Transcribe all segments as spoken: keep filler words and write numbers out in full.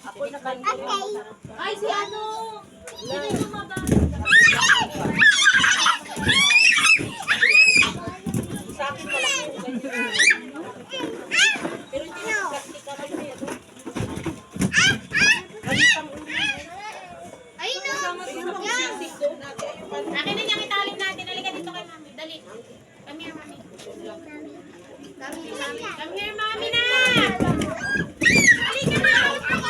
Ako nakalimutan. Ay, si ano? Hindi mo mababa. Sa akin wala ko ganyan. Pero hindi na praktika rin eh. Balitang ulo. Ay, no. Yan. Doon natin yung pan- Akin na niyang italin natin. Halika dito kay mami. Dali. Come here, mami. Come here, mami na! Halika na!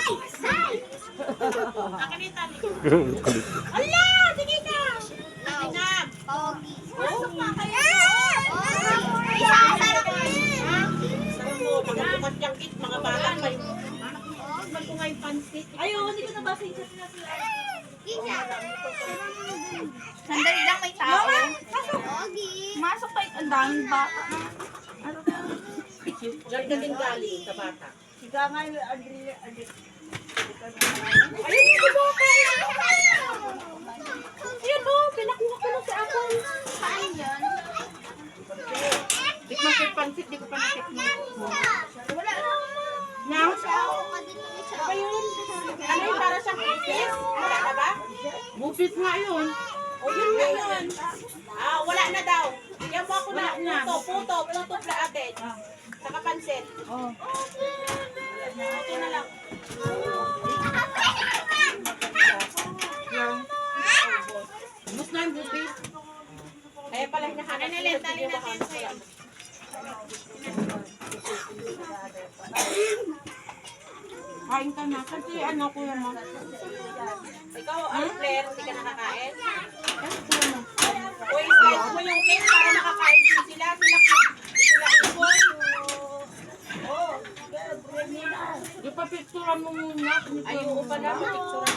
Akin na itali. Ala! Sige ka! Akin na! Pogi. Pasok pa kayo. Isasara ko yun. Saan mo, mga tumatyangkit, mga bata pa yung Ba't ko ngayon pansit? Ayaw, hindi ko nabasa yung chat na sila. Isa. Sandali lang, may tao. Pogi. Masok pa ang daming bata. Diyan ka din galing sa bata. Ika nga yung Adri, Adri. Ayun yung bata. Ayun o, pinakuha ko na si Apple. Saan yun? Di ko yung pansit, di ko pa natikman. Wala na. Now, Ako ka din ng isa. ano yung para sa kupis? Wala na ba? Kupis nga yun. O yun nga yun. Ah, wala na daw. Bigyan mo ako na puto, puto, puto pla atin. Saka pansit. Oh. Puto na lang. Gusto na yung kupis. Kaya pala hinahanap Ano ulit, tali natin sa'yo. Kain ka na. Kasi ano ko yan mo. Ikaw, ano, Claire, hindi ka nakakain? O, i-slice mo yung cake para makakain din sila. Sila, sila, boy. Yung papicturan mo muna. Ay, oo pala, picture.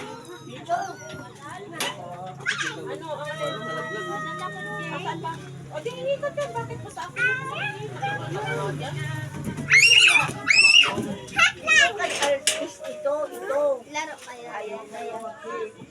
Ano, ang alin? Asan ba? O, di, inikot yan. Bakit mo sa akin? Ay, artist ito, ito. Laro kayo. Ayan, ayan.